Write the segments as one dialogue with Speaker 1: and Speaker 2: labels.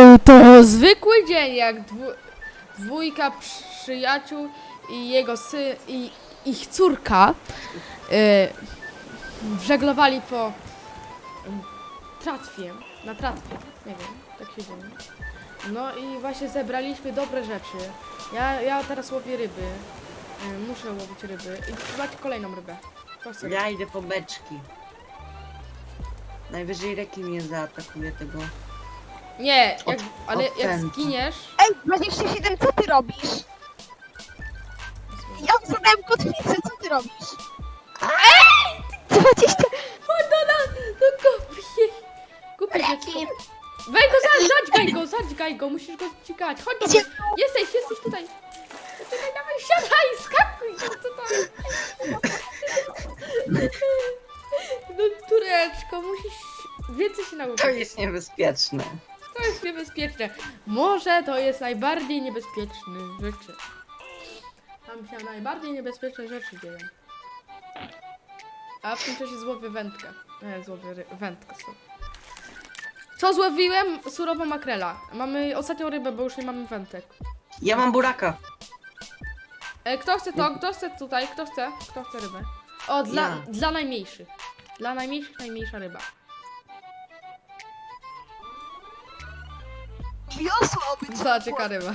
Speaker 1: Był to zwykły dzień, jak dwójka przyjaciół i jego syn i ich córka żeglowali po tratwie, na tratwie, nie wiem, tak się dzieje. No i właśnie zebraliśmy dobre rzeczy. Ja teraz łowię ryby, muszę łowić ryby i macie kolejną rybę. To chcę.
Speaker 2: Ja idę po beczki. Najwyżej rekin mnie zaatakuje tego.
Speaker 1: Nie, ale jak
Speaker 2: odpędzi.
Speaker 1: zginiesz...
Speaker 3: Ej, 27, co ty robisz? Ja zadałem kotwicę, co ty robisz? Ej! 20...
Speaker 1: No kupię się.
Speaker 3: Rekin.
Speaker 1: Weź go, zadźgaj go, musisz go dźgać. Chodź do
Speaker 3: Gdzie?
Speaker 1: mnie. Jesteś tutaj. Czekaj, dawaj, siadaj, skakuj. Co to jest? No Tureczko, musisz więcej się nauczyć.
Speaker 2: To jest niebezpieczne.
Speaker 1: To jest niebezpieczne. Może to jest najbardziej niebezpieczne rzeczy. Tam się najbardziej niebezpieczne rzeczy dzieją. A w tym czasie złowię wędkę. Nie, złowię wędkę sobie. Co złowiłem? Surową makrela. Mamy ostatnią rybę, bo już nie mamy wędek.
Speaker 2: Ja mam buraka.
Speaker 1: Kto chce to? Kto chce tutaj? Kto chce? Kto chce rybę? O, dla najmniejszych. Dla najmniejszych najmniejsza ryba.
Speaker 3: Wiosło być.
Speaker 1: Zaczeka ryba.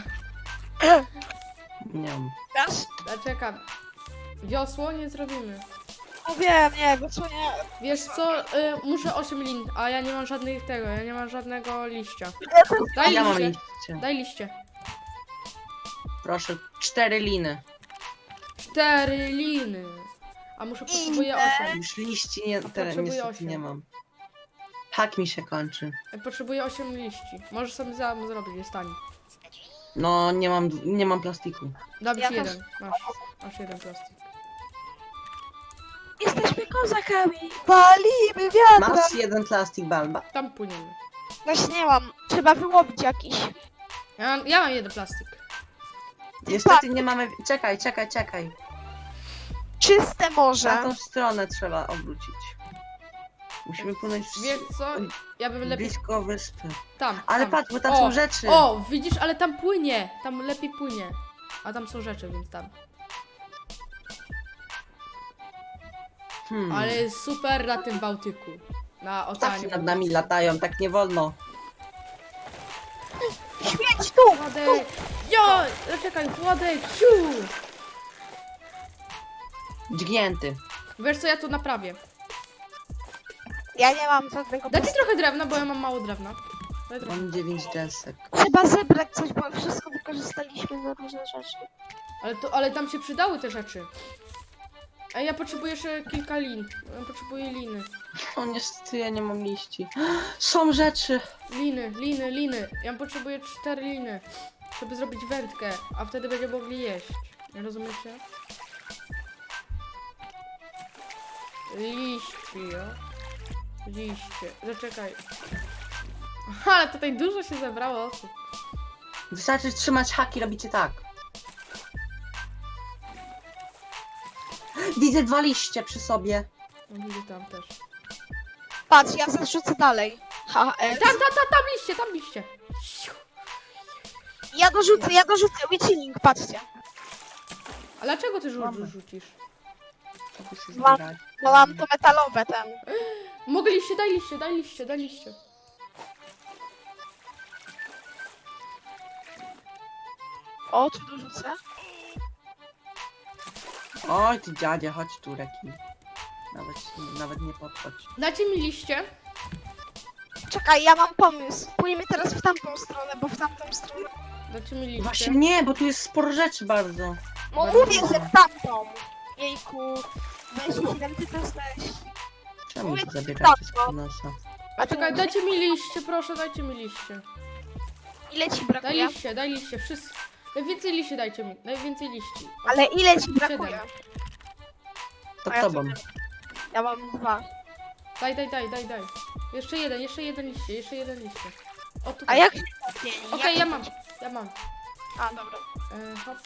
Speaker 2: Nie mam.
Speaker 3: Dasz?
Speaker 1: Zaczekam. Wiosło nie zrobimy.
Speaker 3: No wiem, nie, wiosło nie.
Speaker 1: Wiesz co? Muszę 8 lin, a ja nie mam żadnych tego, ja nie mam żadnego liścia. Daj
Speaker 2: Ja mam
Speaker 1: liście.
Speaker 2: liście.
Speaker 1: Daj liście.
Speaker 2: Proszę, 4 liny.
Speaker 1: 4 liny. A potrzebuję 8.
Speaker 2: Już liści nie,
Speaker 1: Potrzebuję
Speaker 2: niestety
Speaker 1: 8.
Speaker 2: nie mam. Hak mi się kończy.
Speaker 1: Potrzebuję 8 liści. Możesz sobie sam zrobić, jest tani.
Speaker 2: No, nie mam plastiku.
Speaker 1: Dam
Speaker 3: Ja
Speaker 1: ci
Speaker 3: też.
Speaker 1: jeden. Masz jeden plastik.
Speaker 3: Jesteśmy kozakami. Palimy wiatra.
Speaker 2: Masz jeden plastik, Balba?
Speaker 1: Tam płyniemy.
Speaker 3: Właśnie nie mam. Trzeba wyłowić jakiś.
Speaker 1: Ja mam jeden plastik.
Speaker 2: Niestety nie mamy... Czekaj.
Speaker 3: Czyste
Speaker 2: Na
Speaker 3: morze.
Speaker 2: tą stronę trzeba obrócić. Musimy płynąć
Speaker 1: Wiesz co? Ja bym lepiej...
Speaker 2: blisko wyspy.
Speaker 1: Tam.
Speaker 2: Ale
Speaker 1: tam.
Speaker 2: patrz, bo tam są rzeczy.
Speaker 1: O, widzisz, ale tam płynie. Tam lepiej płynie. A tam są rzeczy, więc tam. Ale jest super na tym Bałtyku. Na
Speaker 2: Ptaki
Speaker 1: oceanie.
Speaker 2: nad nami latają, tak nie wolno.
Speaker 3: Śmieć tu!
Speaker 1: Władek! Jo! Czekaj, Władek! Ciu!
Speaker 2: Dźgnięty.
Speaker 1: Wiesz co, ja tu naprawię.
Speaker 3: Ja nie mam żadnego.
Speaker 1: Dajcie trochę drewna, bo ja mam mało drewna. Daj trochę.
Speaker 2: Mam 9 desek.
Speaker 3: Trzeba zebrać coś, bo wszystko wykorzystaliśmy na różne rzeczy.
Speaker 1: Ale tam się przydały te rzeczy. A ja potrzebuję jeszcze kilka lin. Ja potrzebuję liny.
Speaker 2: O, niestety ja nie mam liści. Są rzeczy.
Speaker 1: Liny. Ja potrzebuję 4 liny, żeby zrobić wędkę, a wtedy będziemy mogli jeść. Nie rozumiecie? Liście. Zaczekaj. Aha, ale tutaj dużo się zebrało osób.
Speaker 2: Wystarczy trzymać haki, robicie tak. Widzę 2 liście przy sobie.
Speaker 1: No widzę tam też.
Speaker 3: Patrz, ja zarzucę dalej.
Speaker 1: Tam liście.
Speaker 3: Ja dorzucę witching, patrzcie.
Speaker 1: A dlaczego ty
Speaker 2: Mamy.
Speaker 1: rzucisz?
Speaker 2: Żeby się
Speaker 3: Mam.
Speaker 2: zbierać.
Speaker 3: No mam to metalowe ten.
Speaker 1: Mogę liście, daj liście.
Speaker 3: O, tu dorzucę.
Speaker 2: Oj, ty dziadzie, chodź tu, Reki. Nawet nie podchodź.
Speaker 1: Dajcie mi liście.
Speaker 3: Czekaj, ja mam pomysł. Pójdziemy teraz w tamtą stronę, bo w tamtą stronę...
Speaker 1: Dajcie mi liście.
Speaker 2: Właśnie nie, bo tu jest sporo rzeczy bardzo.
Speaker 3: No mówię, że w tamtą. Jejku. 27, ty to jesteś.
Speaker 2: Czemu
Speaker 3: Mówię,
Speaker 2: to
Speaker 3: że
Speaker 2: zabieracie
Speaker 3: tak,
Speaker 2: z nosa?
Speaker 1: A czekaj, dajcie mi liście, proszę, dajcie mi liście.
Speaker 3: Ile ci
Speaker 1: Daj
Speaker 3: brakuje?
Speaker 1: liście, wszyscy. Najwięcej liści dajcie mi, najwięcej liści.
Speaker 3: Ale ile ci brakuje?
Speaker 2: To
Speaker 3: A ja
Speaker 2: tobą.
Speaker 3: Ja mam 2.
Speaker 1: Daj. Jeszcze jeden liście. O,
Speaker 3: A
Speaker 1: tutaj.
Speaker 3: jak się to zmieni?
Speaker 1: Okej, ja mam.
Speaker 3: A, dobra.
Speaker 1: Hop.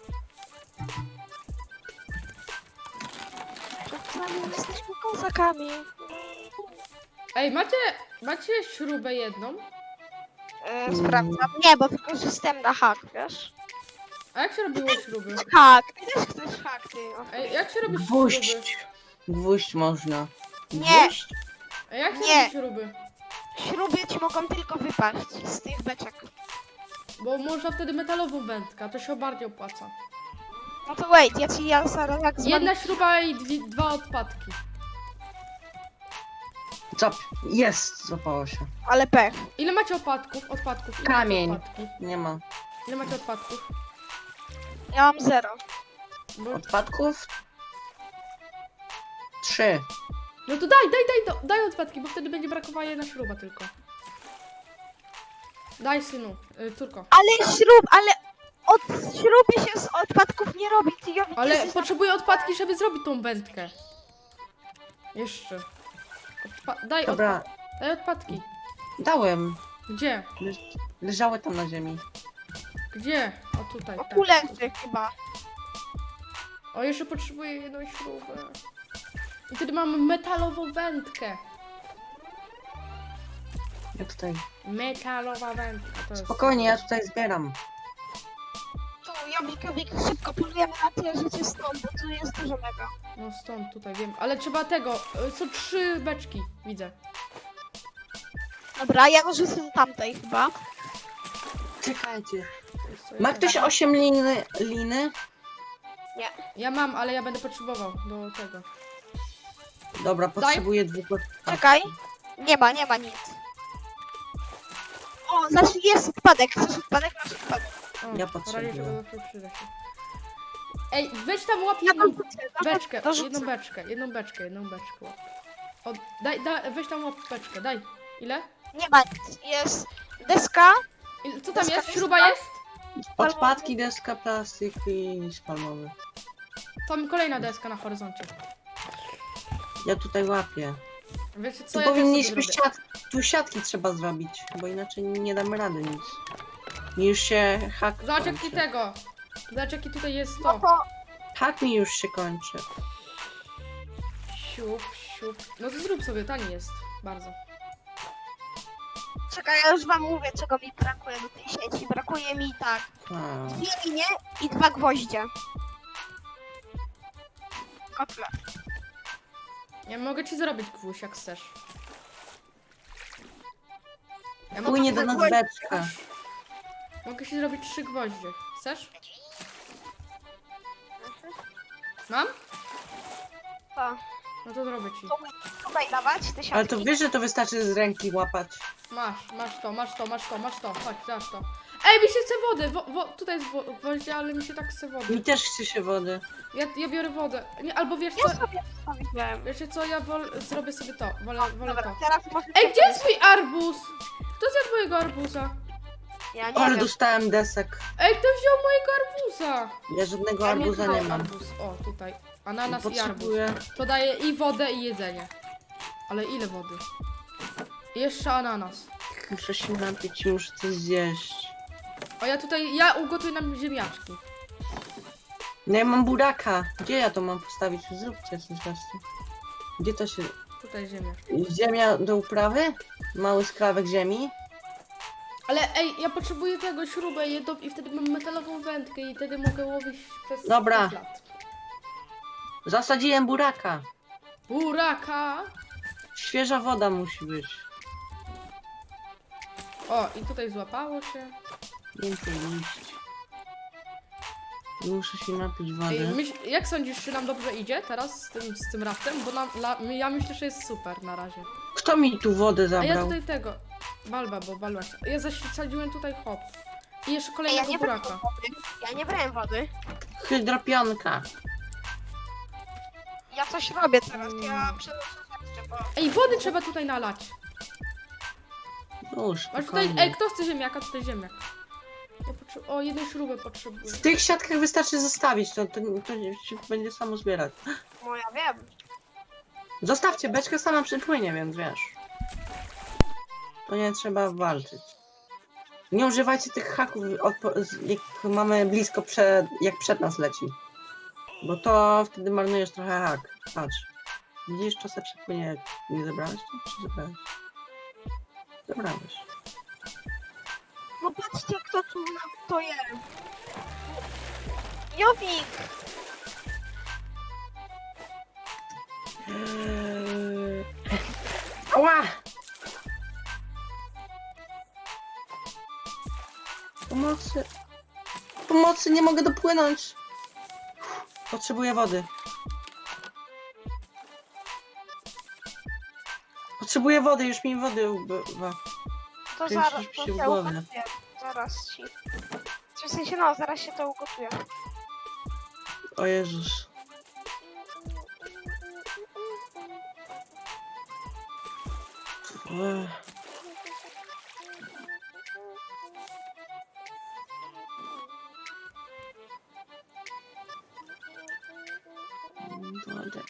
Speaker 3: Jesteśmy kozakami.
Speaker 1: Ej, macie śrubę jedną?
Speaker 3: Sprawdzam. Nie, bo wykorzystałem na hak, wiesz?
Speaker 1: A jak się robiło śruby?
Speaker 3: Hak, ty też chcesz hak, ty.
Speaker 1: Ej, jak się robi śruby?
Speaker 2: Gwóźdź. Gwóźdź można.
Speaker 3: Nie.
Speaker 2: Gwóźdź?
Speaker 1: Ej, jak się
Speaker 3: Nie.
Speaker 1: robi śruby?
Speaker 3: Śruby ci mogą tylko wypaść z tych beczek.
Speaker 1: Bo można wtedy metalową wędkę, a to się bardziej opłaca.
Speaker 3: No to wait, ja zaraz jak
Speaker 1: Jedna śruba i dwa odpadki.
Speaker 2: Zap. Jest, złapało się.
Speaker 3: Ale pech.
Speaker 1: Ile macie odpadków? Odpadków. Ile
Speaker 2: Kamień.
Speaker 1: Macie odpadki?
Speaker 2: Nie ma.
Speaker 1: Ile macie odpadków?
Speaker 3: Ja mam 0.
Speaker 1: Bo...
Speaker 2: Odpadków? 3.
Speaker 1: No to daj odpadki, bo wtedy będzie brakowała jedna śruba tylko. Daj synu, córko.
Speaker 3: Ale od śruby się z odpadków nie robi, ty Jowi.
Speaker 1: Ale potrzebuję odpadki, żeby zrobić tą wędkę. Jeszcze.
Speaker 2: Dobra,
Speaker 1: Daj odpadki.
Speaker 2: dałem.
Speaker 1: Gdzie?
Speaker 2: Leżały tam na ziemi.
Speaker 1: Gdzie? O tutaj.
Speaker 3: O
Speaker 1: tak.
Speaker 3: tu leży chyba.
Speaker 1: O, jeszcze potrzebuję jedną śrubę. I wtedy mamy metalową wędkę.
Speaker 2: Ja tutaj.
Speaker 1: Metalowa wędka. To jest...
Speaker 2: Spokojnie, ja tutaj zbieram.
Speaker 3: Tu, Jowik, szybko polujemy na tyle życie stąd, bo tu jest dużo mega.
Speaker 1: No stąd, tutaj wiem. Ale trzeba tego. Są 3 beczki, widzę.
Speaker 3: Dobra, ja dorzucę tamtej chyba.
Speaker 2: Czekajcie.
Speaker 1: To jest co
Speaker 2: Ma
Speaker 1: jest.
Speaker 2: ktoś 8 liny?
Speaker 1: Ja mam, ale ja będę potrzebował do tego.
Speaker 2: Dobra, potrzebuję 2.
Speaker 3: Czekaj. Nie ma nic. O, znaczy jest odpadek. Chcesz odpadek? Masz odpadek.
Speaker 1: O,
Speaker 2: Ja
Speaker 1: w razie
Speaker 2: potrzebuję.
Speaker 1: czego zawsze przyda się. Ej, weź tam łap
Speaker 3: Ja
Speaker 1: jedną
Speaker 3: dorzucę,
Speaker 1: beczkę,
Speaker 3: dorzucę.
Speaker 1: jedną beczkę łap. O, weź tam łap beczkę, daj. Ile?
Speaker 3: Nie ma nic. Jest deska.
Speaker 1: Co tam
Speaker 3: Deska,
Speaker 1: jest?
Speaker 3: deska.
Speaker 1: Śruba jest?
Speaker 2: Odpadki, deska, plastik i liść palmowy.
Speaker 1: Tam kolejna deska na horyzoncie.
Speaker 2: Ja tutaj łapię.
Speaker 1: Wiecie co,
Speaker 2: Tu
Speaker 1: ja też sobie
Speaker 2: powinniśmy
Speaker 1: zrobię.
Speaker 2: tu siatki trzeba zrobić, bo inaczej nie damy rady nic. Mi już się hak
Speaker 1: Zobacz jaki
Speaker 2: kończy.
Speaker 1: tego. Zobacz jaki tutaj jest
Speaker 3: No
Speaker 1: to.
Speaker 3: to
Speaker 2: Hak mi już się kończy.
Speaker 1: Siup, siup. No to zrób sobie, tani jest. Bardzo.
Speaker 3: czekaj, ja już wam mówię, czego mi brakuje do tej sieci. Brakuje mi tak.
Speaker 2: A,
Speaker 3: 2 linie i 2 gwoździe. Kotle.
Speaker 1: Ja mogę ci zrobić gwóźdź jak chcesz. Ja
Speaker 2: płynie do nas beczka.
Speaker 1: Mogę ci zrobić 3 gwoździe. Chcesz? Mam?
Speaker 3: To.
Speaker 1: No to zrobię ci.
Speaker 3: To tutaj dawać te siatki.
Speaker 2: Ale to wiesz, że to wystarczy z ręki łapać.
Speaker 1: Masz to. Chodź, dasz to. Ej, mi się chce wody! Tutaj jest gwoździe, ale mi się tak chce wody.
Speaker 2: Mi też chce się wody.
Speaker 1: Ja biorę wodę. Nie, albo wiesz
Speaker 3: Ja
Speaker 1: co?
Speaker 3: sobie wstawiłem.
Speaker 1: Wiecie co? Zrobię sobie to. Wolę
Speaker 3: Dobra,
Speaker 1: to.
Speaker 3: teraz może...
Speaker 1: Ej, gdzie jest mój arbuz? Kto zjadł mojego arbuza?
Speaker 3: Ja nie
Speaker 2: Ale
Speaker 3: wiem.
Speaker 2: dostałem desek.
Speaker 1: Ej, kto wziął mojego arbuza?
Speaker 2: Ja żadnego
Speaker 1: Ja
Speaker 2: arbuza
Speaker 1: tutaj
Speaker 2: nie mam.
Speaker 1: arbuz. O, tutaj. Ananas i arbuz.
Speaker 2: Potrzebuję.
Speaker 1: To daje i wodę, i jedzenie. Ale ile wody? I jeszcze ananas.
Speaker 2: Muszę się napić i muszę coś zjeść.
Speaker 1: O, ja ugotuję nam ziemniaczki.
Speaker 2: No ja mam buraka. Gdzie ja to mam postawić? Zróbcie coś właśnie. Gdzie to się...
Speaker 1: Tutaj ziemniaczki.
Speaker 2: Ziemia do uprawy? Mały skrawek ziemi?
Speaker 1: Ale ej, ja potrzebuję tego śrubę jedną i wtedy mam metalową wędkę i wtedy mogę łowić przez
Speaker 2: Dobra.
Speaker 1: 5 lat.
Speaker 2: Zasadziłem buraka.
Speaker 1: Buraka!
Speaker 2: Świeża woda musi być.
Speaker 1: O, i tutaj złapało się.
Speaker 2: Więcej liść. Muszę się napić
Speaker 1: Ej,
Speaker 2: wody.
Speaker 1: jak sądzisz, czy nam dobrze idzie teraz z tym raftem? Bo ja myślę, że jest super na razie.
Speaker 2: Kto mi tu wodę
Speaker 1: A ja
Speaker 2: zabrał?
Speaker 1: tutaj tego. Balba. Ja zasadziłem tutaj hop. I jeszcze
Speaker 3: Ej,
Speaker 1: kolejnego
Speaker 3: brałem
Speaker 1: buraka.
Speaker 3: wody. Ja nie brałem wody.
Speaker 2: Hydropionka.
Speaker 3: Ja coś robię teraz. Ja przenoszę rzeczy, bo...
Speaker 1: Ej, wody trzeba tutaj nalać.
Speaker 2: Już,
Speaker 1: Masz tutaj.
Speaker 2: spokojnie.
Speaker 1: Ej, kto chce ziemniaka? Tutaj ziemniak. O, jednej śruby potrzebuję.
Speaker 2: W tych siatkach wystarczy zostawić, to się będzie samo zbierać.
Speaker 3: No ja wiem.
Speaker 2: Zostawcie, beczka sama przypłynie, więc wiesz. To nie trzeba walczyć. Nie używajcie tych haków, jak mamy blisko jak przed nas leci. Bo to wtedy marnujesz trochę hak. Patrz. Widzisz, czasem przepłynie. Nie zebrałeś to? Czy zebrałeś? Zebrałeś.
Speaker 3: Kto tu to je? Jowik!
Speaker 2: Ała! Pomocy. Pomocy, nie mogę dopłynąć. Potrzebuję wody. Potrzebuję wody, już mi wody ubywa.
Speaker 3: To
Speaker 2: Ty
Speaker 3: zaraz,
Speaker 2: musisz
Speaker 3: to
Speaker 2: się w
Speaker 3: się
Speaker 2: głowę.
Speaker 3: ugotuje. Zaraz ci. W sensie, no, zaraz się to ugotuje.
Speaker 2: O Jezus. Ech. Wodę.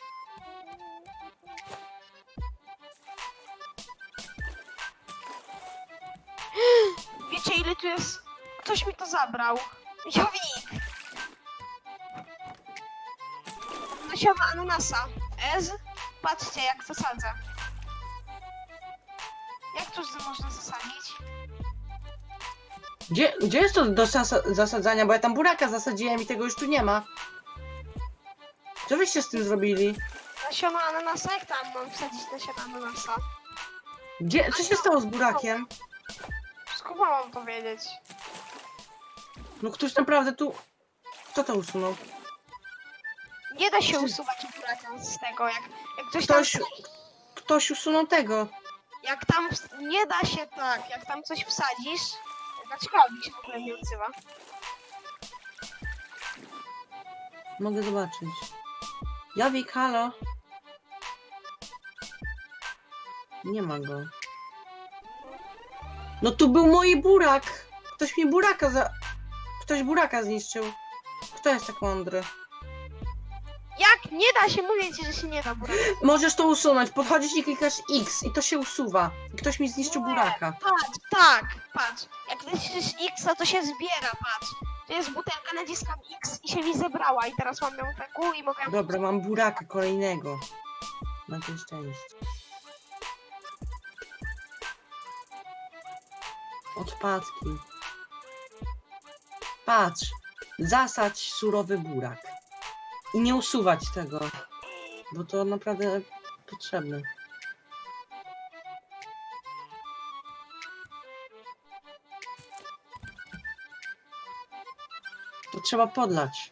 Speaker 3: Wiecie ile tu jest? Ktoś mi to zabrał. Jowik! Nasiona ananasa. Ez? Patrzcie jak zasadzę. Jak to można zasadzić?
Speaker 2: Gdzie jest to do zasadzania? Bo ja tam buraka zasadziłem i tego już tu nie ma. Co wyście z tym zrobili?
Speaker 3: Nasiona ananasa? Jak tam mam wsadzić nasiona ananasa?
Speaker 2: Gdzie? Co się stało z burakiem?
Speaker 3: Skąd mam to wiedzieć?
Speaker 2: No ktoś naprawdę tu... Kto to usunął?
Speaker 3: Nie da się usuwać buraka z tego, jak ktoś tam...
Speaker 2: Ktoś usunął tego.
Speaker 3: Jak tam... Nie da się tak, jak tam coś wsadzisz... Dlaczego Jowik się w ogóle nie odzywa?
Speaker 2: Mogę zobaczyć. Jowik, halo? Nie ma go. No tu był mój burak! Ktoś mi buraka Ktoś buraka zniszczył. Kto jest tak mądry?
Speaker 3: Jak? Nie da się, mówię ci, że się nie da buraka.
Speaker 2: Możesz to usunąć. Podchodzisz i klikasz X i to się usuwa. I ktoś mi zniszczył buraka.
Speaker 3: Patrz, tak, patrz. Jak naciśniesz X, to się zbiera, patrz. To jest butelka, naciskam X i się mi zebrała i teraz mam ją w ręku i mogę...
Speaker 2: Dobra, mam buraka kolejnego. Na to szczęście. Odpadki. Patrz. Zasadź surowy burak. I nie usuwać tego. Bo to naprawdę potrzebne. To trzeba podlać.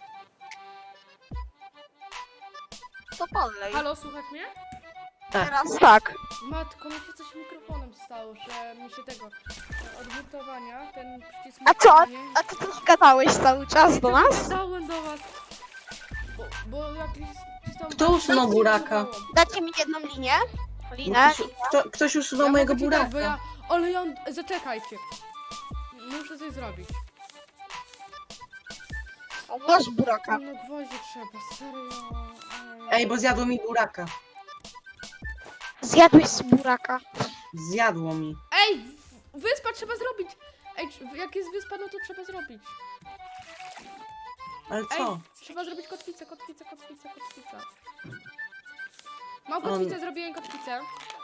Speaker 3: To podlej.
Speaker 1: Halo, słuchać mnie?
Speaker 2: Tak.
Speaker 3: Teraz tak.
Speaker 1: Matko, mi się coś z mikrofonem stało, że mi się tego od mutowania, ten przycisk
Speaker 3: A co?
Speaker 1: mutowanie-
Speaker 3: A ty tu gadałeś cały czas do nas?
Speaker 1: Gadałem do was. Bo jakiś... tam-
Speaker 2: Kto usunął buraka?
Speaker 3: Dajcie mi jedną linię.
Speaker 2: No
Speaker 3: Linę.
Speaker 2: ktoś usunął
Speaker 1: Ja
Speaker 2: mojego
Speaker 1: mogę ci dać,
Speaker 2: buraka.
Speaker 1: bo ja... Ale ja... Zaczekajcie. Muszę coś zrobić.
Speaker 3: O, masz buraka.
Speaker 1: No gwoździe trzeba, serio.
Speaker 2: Ej, bo zjadło mi buraka.
Speaker 3: Zjadłeś z buraka.
Speaker 2: Zjadło mi.
Speaker 1: Ej! Wyspa trzeba zrobić! Ej, jak jest wyspa, no to trzeba zrobić.
Speaker 2: Ale
Speaker 1: Ej,
Speaker 2: co?
Speaker 1: trzeba zrobić kotwicę. Mam kotwicę, zrobiłem kotwicę.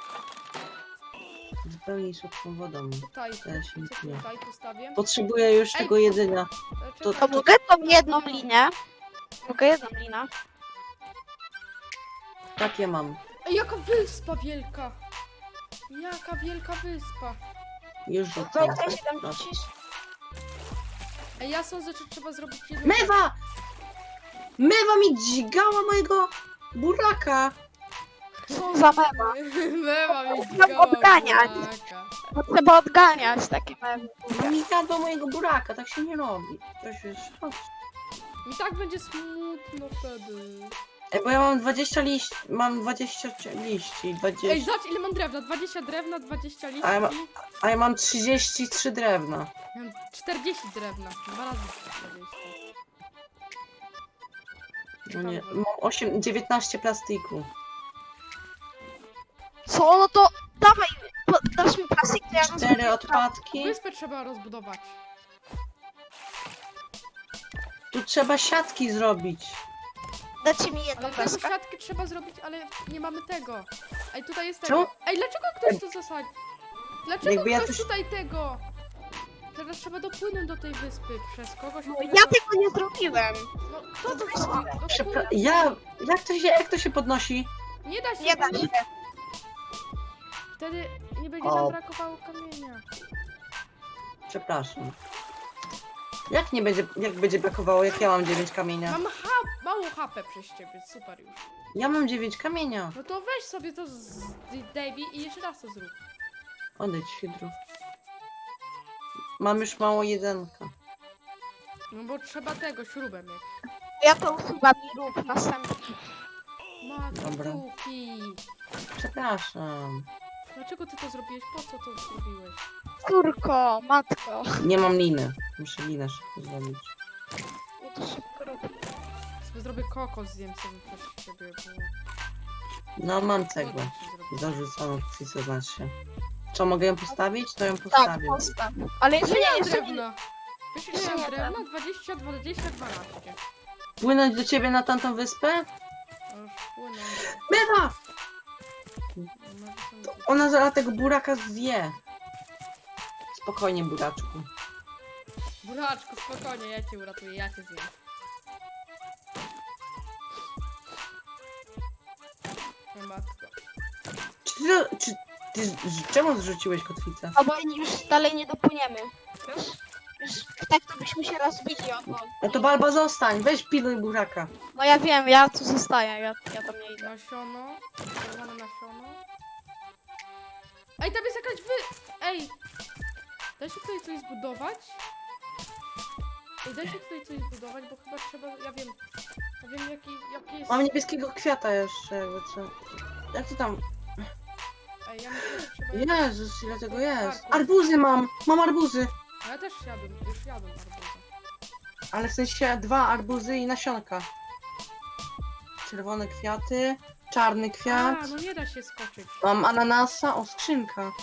Speaker 2: Zupełnie słodką wodą.
Speaker 1: Tutaj,
Speaker 2: Też nic nie.
Speaker 1: tutaj postawię.
Speaker 2: Potrzebuję już
Speaker 1: Ej,
Speaker 2: tego jedzenia.
Speaker 3: To
Speaker 1: Czekaj.
Speaker 3: mogę tą jedną linię? Mogę jedną linę.
Speaker 2: Tak ja mam.
Speaker 1: Ej, jaka wyspa wielka! Jaka wielka wyspa!
Speaker 2: Już
Speaker 3: To
Speaker 2: rzucam.
Speaker 3: jak się tam
Speaker 2: Proszę.
Speaker 3: wrzucisz?
Speaker 1: Ej, ja sądzę, że trzeba zrobić jedną...
Speaker 2: Mewa! Mewa mi dźgała mojego buraka.
Speaker 3: Co za mewa?
Speaker 1: Mewa mi
Speaker 3: Trzeba
Speaker 1: dźgała
Speaker 3: odganiać.
Speaker 1: buraka.
Speaker 3: To trzeba odganiać takie mewy.
Speaker 2: No mi zjadła mojego buraka, tak się nie robi. Coś już...
Speaker 1: Mi tak będzie smutno wtedy.
Speaker 2: Ej, bo ja mam 20 liści. Mam 20 liści. 20...
Speaker 1: Ej, zobacz ile mam drewna. 20 drewna, 20 liści.
Speaker 2: A ja A ja mam 33 drewna.
Speaker 1: Ja mam 40 drewna. 2 razy 40.
Speaker 2: No nie, mam 19 plastiku.
Speaker 3: Co? No to dawaj, dasz mi plastik, to ja go
Speaker 2: 4 odpadki.
Speaker 1: Wyspę trzeba rozbudować.
Speaker 2: Tu trzeba siatki zrobić.
Speaker 3: Dajcie mi jedną
Speaker 1: Ale tego
Speaker 3: deskę.
Speaker 1: siatkę trzeba zrobić, ale nie mamy tego. Ej, tutaj jest
Speaker 2: Co?
Speaker 1: tego. Ej, dlaczego ktoś to zasadzi? Dlaczego
Speaker 2: Jakby ja
Speaker 1: ktoś
Speaker 2: coś-
Speaker 1: tutaj tego? Teraz teraz trzeba dopłynąć do tej wyspy przez kogoś.
Speaker 3: No,
Speaker 1: którego-
Speaker 3: ja tego nie zrobiłem.
Speaker 1: No kto to zrobił? No,
Speaker 2: Jak to się podnosi?
Speaker 1: Nie da się.
Speaker 3: Nie da się.
Speaker 1: Wtedy nie będzie
Speaker 2: O.
Speaker 1: nam brakowało kamienia.
Speaker 2: Przepraszam. Jak będzie brakowało, jak ja mam 9 kamienia?
Speaker 1: Mam mało HP przez ciebie, super już.
Speaker 2: Ja mam 9 kamienia.
Speaker 1: No to weź sobie to z Davey i jeszcze raz to zrób.
Speaker 2: Odejdź, Hydro. Mam już mało jedynka.
Speaker 1: No bo trzeba tego, śrubę mieć.
Speaker 3: Ja to usuwam i rób następny.
Speaker 2: Dobra.
Speaker 1: Matkuki.
Speaker 2: Przepraszam.
Speaker 1: Dlaczego ty to zrobiłeś? Po co to zrobiłeś?
Speaker 3: Córko, matko.
Speaker 2: Nie mam liny. Muszę linę szybko zrobić.
Speaker 3: Ja to szybko robię.
Speaker 1: Sobie zrobię kokos, zjem sobie przez ciebie, bo...
Speaker 2: No, mam cegłę.
Speaker 1: Głodny się zrobił.
Speaker 2: Zarzuconą w co znaczy. Co, mogę ją postawić? To ją
Speaker 3: Tak,
Speaker 2: postawię.
Speaker 3: postaw. Ale jeszcze
Speaker 1: Nie
Speaker 3: nie,
Speaker 1: mam
Speaker 3: jeszcze nie.
Speaker 1: drewna. Wiesz ile
Speaker 3: Jeszcze
Speaker 1: mam
Speaker 3: nie
Speaker 1: drewna? 20, 20, 12.
Speaker 2: Płynąć do ciebie na tamtą wyspę?
Speaker 1: No już płyną.
Speaker 2: Bywa!
Speaker 1: No,
Speaker 2: Ona zaraz tego buraka zje. Spokojnie, buraczku.
Speaker 1: Buraczku, spokojnie, ja cię uratuję, ja cię zjem. O matko.
Speaker 2: Czemu zrzuciłeś kotwicę?
Speaker 3: No bo już dalej nie dopłyniemy. Wiesz? Już tak to byśmy się rozbili od wody.
Speaker 2: No to Balba zostań, weź pilnuj buraka.
Speaker 3: No ja wiem, ja tu zostaję, ja tam nie idę.
Speaker 1: Nasiono, czerwone nasiono. Ej, tam jest jakaś Ej! Da się tutaj coś zbudować? Ej, da się tutaj coś zbudować, bo chyba trzeba... Ja wiem jaki jest...
Speaker 2: Mam niebieskiego kwiata jeszcze, jakby co. Jak to tam?
Speaker 1: Ej, ja myślę, że trzeba...
Speaker 2: Jezus, ile tego jest? Arbuzy mam! Mam arbuzy!
Speaker 1: No ja też już jadłem arbuzę.
Speaker 2: Ale w sensie 2 arbuzy i nasionka. Czerwone kwiaty, czarny kwiat.
Speaker 1: A, no nie da się skoczyć.
Speaker 2: Mam ananasa, o skrzynka.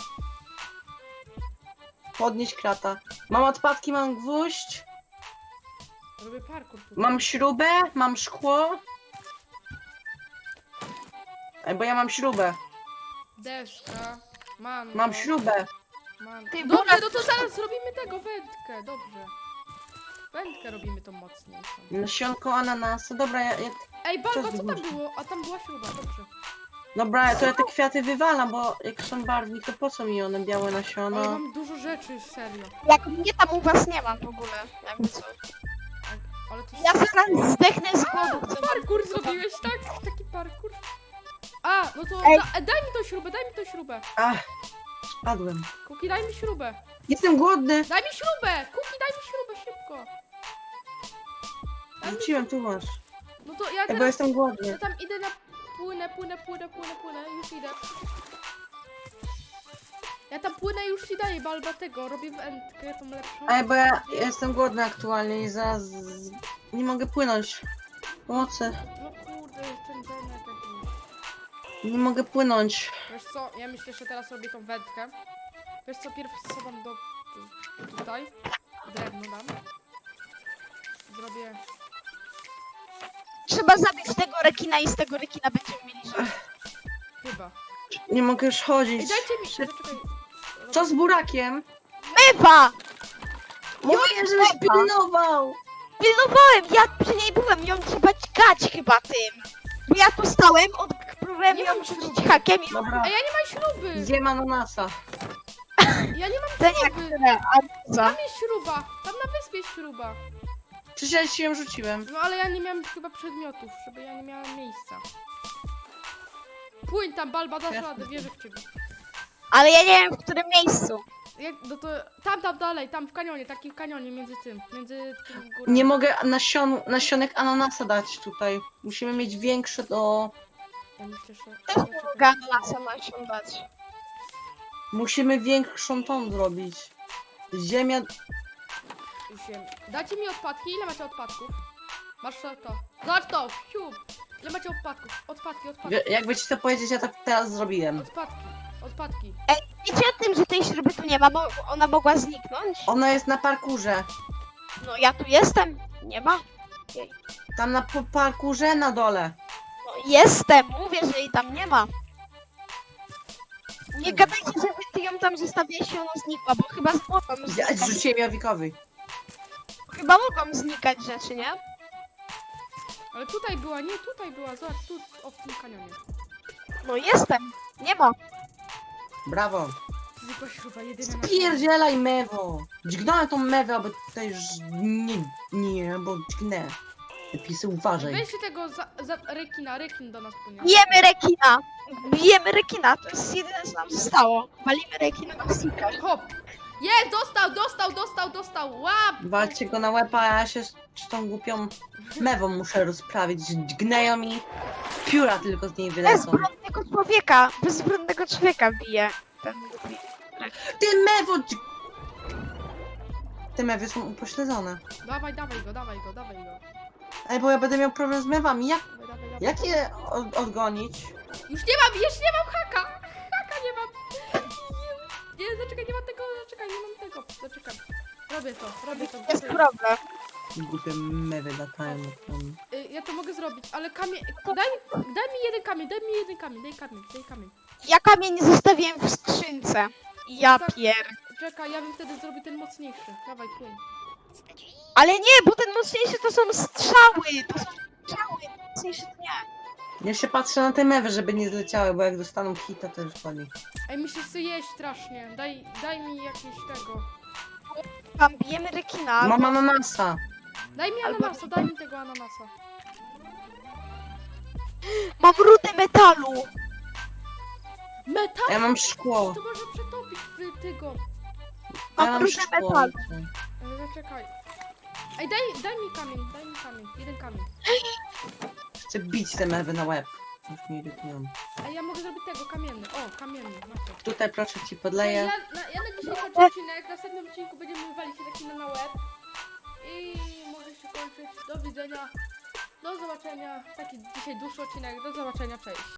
Speaker 2: Podnieść krata. Mam odpadki, mam gwóźdź.
Speaker 1: Robię parkour tutaj.
Speaker 2: Mam śrubę, mam szkło. Ej, bo ja mam śrubę.
Speaker 1: Deska. Mango.
Speaker 2: Mam śrubę.
Speaker 1: Mango.
Speaker 3: Ty,
Speaker 1: Dobrze,
Speaker 3: burak-
Speaker 1: no to zaraz zrobimy tego, wędkę, dobrze. Wędkę robimy tą mocniejszą.
Speaker 2: Nasionko ananasa. Dobra,
Speaker 1: Ej, Balba,
Speaker 2: Czas
Speaker 1: co tam
Speaker 2: wybuchu.
Speaker 1: było? A tam była śruba, dobrze.
Speaker 2: Dobra, to ja te kwiaty wywalam, bo jak są barwnik, to po co mi one białe
Speaker 1: Ale
Speaker 2: nasiona?
Speaker 1: mam dużo rzeczy, serio.
Speaker 3: Jak mnie tam u was nie ma w ogóle, jakby co.
Speaker 1: Ale to
Speaker 3: Ja zaraz zdechnę z głodu, co
Speaker 1: Parkour zrobiłeś, tak? Taki parkour. A, no to
Speaker 3: Ej.
Speaker 1: daj mi tą śrubę, daj mi tą śrubę.
Speaker 2: Ach, spadłem.
Speaker 1: Kuki, daj mi śrubę.
Speaker 2: Jestem głodny.
Speaker 1: Daj mi śrubę! Kuki, daj mi śrubę, szybko. Daj mi...
Speaker 2: Rzuciłem, tu masz.
Speaker 1: No to ja
Speaker 2: Ej, bo
Speaker 1: teraz...
Speaker 2: jestem
Speaker 1: Ja
Speaker 2: głodny.
Speaker 1: tam idę na... Płynę, już idę. Ja tam płynę, już ci daję, Balba, tego. Robię wędkę, tą lepszą.
Speaker 2: Ej, bo ja jestem głodny aktualnie i zaraz nie mogę płynąć. Pomocy.
Speaker 1: No kurde, ten denek jakiś.
Speaker 2: Nie mogę płynąć.
Speaker 1: Wiesz co, ja myślę, że teraz robię tą wędkę. Wiesz co, pierw schowam do... tutaj. Drewno dam. Zrobię...
Speaker 3: Trzeba zabić tego rekina i z tego rekina będziemy mieli żyć.
Speaker 1: Chyba.
Speaker 2: Nie mogę już chodzić.
Speaker 1: Ej, dajcie mi...
Speaker 2: Szybko.
Speaker 1: Poczekaj.
Speaker 2: Co z burakiem?
Speaker 3: Bywa!
Speaker 2: Mówię, żebyś pilnował!
Speaker 3: Pilnowałem, ja przy niej byłem, ją trzeba dźgać chyba tym. Bo ja tu stałem, próbowałem
Speaker 1: Nie
Speaker 3: ją
Speaker 1: mam
Speaker 3: rzucić
Speaker 1: śruby.
Speaker 3: hakiem i
Speaker 2: Dobra,
Speaker 1: Ej, ja nie mam śruby!
Speaker 2: zjem ananasa.
Speaker 1: Ja nie mam
Speaker 3: to nie
Speaker 1: śruby!
Speaker 3: które, a co?
Speaker 1: Tam jest śruba! Tam na wyspie jest śruba!
Speaker 2: Przecież ja ci ją rzuciłem.
Speaker 1: No ale ja nie miałem chyba przedmiotów, żeby ja nie miałem miejsca. Płyń tam, Balba, dasz
Speaker 2: Jasne.
Speaker 1: radę, wierzę w ciebie.
Speaker 3: Ale ja nie wiem w którym miejscu.
Speaker 1: Jak, no to tam dalej, tam w kanionie, taki w kanionie między tym górami.
Speaker 2: Nie mogę nasionek ananasa dać tutaj. Musimy mieć większe do...
Speaker 1: Ja myślę, że...
Speaker 3: Też nie mogę ananasa nasiądać.
Speaker 2: Musimy większą tą zrobić. Ziemia...
Speaker 1: Dajcie mi odpadki, ile macie odpadków? Masz to. Zobacz to, siup! Ile macie odpadków? Odpadki.
Speaker 2: Jakby ci to powiedzieć, ja tak teraz zrobiłem.
Speaker 1: Odpadki.
Speaker 3: Wiecie o tym, że tej śruby tu nie ma, bo ona mogła zniknąć?
Speaker 2: Ona jest na parkurze.
Speaker 3: No ja tu jestem, nie ma.
Speaker 2: Tam na parkurze na dole.
Speaker 3: No jestem, mówię, że jej tam nie ma. Nie gadajcie, że ty ją tam zostawiłeś i ona znikła, bo chyba mogą
Speaker 2: Ja
Speaker 3: znikać.
Speaker 2: zrzuciłem Jawikowi.
Speaker 3: Chyba mogą znikać rzeczy, nie?
Speaker 1: Ale tutaj była, nie, tutaj była, zobacz, tu, o, w tym kanionie.
Speaker 3: No jestem. Nie ma.
Speaker 2: Brawo.
Speaker 1: To jest jakoś chyba jedyna na
Speaker 2: Spierdzielaj mewo. Dźgnąłem tą mewę, aby tutaj już nie, bo dźgnę. Te pisy uważaj.
Speaker 1: Weźcie tego za rekina, rekin do nas płynie.
Speaker 3: Bijemy rekina. Bijemy rekina. To jest jedyne, co nam zostało. Walimy rekina na sika.
Speaker 1: Hop! Jest, dostał! Łap!
Speaker 2: Walcie go na łeb, a ja się z tą głupią mewą muszę rozprawić. Dźgneją mi. Pióra tylko z niej wylecą.
Speaker 3: Bezbronnego człowieka bije. Ten
Speaker 2: Ty mewo! Te mewy są upośledzone.
Speaker 1: Dawaj go.
Speaker 2: Ej, bo ja będę miał problem z mewami.
Speaker 1: Dawaj.
Speaker 2: Jak je odgonić?
Speaker 1: Już nie mam haka! Haka nie mam! Nie, zaczekaj, nie mam tego, zaczekaj. Robię to.
Speaker 3: jest problem.
Speaker 2: Głupie mewy latają nad nami.
Speaker 1: Ja to mogę zrobić, ale kamień... Daj mi jeden kamień, daj kamień.
Speaker 3: Ja kamień zostawiłem w skrzynce. Ja pier...
Speaker 1: Czekaj, ja bym wtedy zrobił ten mocniejszy. Dawaj, płyń.
Speaker 3: Ale nie, bo ten mocniejszy to są strzały. Mocniejszy to nie.
Speaker 2: Ja się patrzę na te mewy, żeby nie zleciały, bo jak dostaną hita, to już padnie.
Speaker 1: Ej, mi się chce jeść strasznie. Daj mi jakieś tego.
Speaker 3: Tam bijemy rekina.
Speaker 2: Mam ananasa.
Speaker 1: Daj mi
Speaker 3: Albo-
Speaker 1: ananasa, daj mi tego ananasa.
Speaker 3: Mam rudę metalu.
Speaker 1: Metal?
Speaker 2: A ja mam szkło.
Speaker 1: To może przetopić w tego.
Speaker 2: A ja
Speaker 3: Mam
Speaker 2: mam
Speaker 3: rudę
Speaker 2: szkło.
Speaker 3: metalu.
Speaker 1: Ale zaczekaj. Ej, daj mi kamień. Jeden kamień.
Speaker 2: Chcę bić te mewy na łeb. Już mnie irytują.
Speaker 1: Ej, ja mogę zrobić tego, kamienny. O, kamienny, masz to.
Speaker 2: Tutaj proszę ci
Speaker 1: Ej,
Speaker 2: podleję.
Speaker 1: ja na dzisiaj kończę odcinek. W następnym odcinku będziemy walić się taki na łeb. I może się kończyć. Do widzenia. Do zobaczenia. Taki dzisiaj dłuższy odcinek. Do zobaczenia, cześć.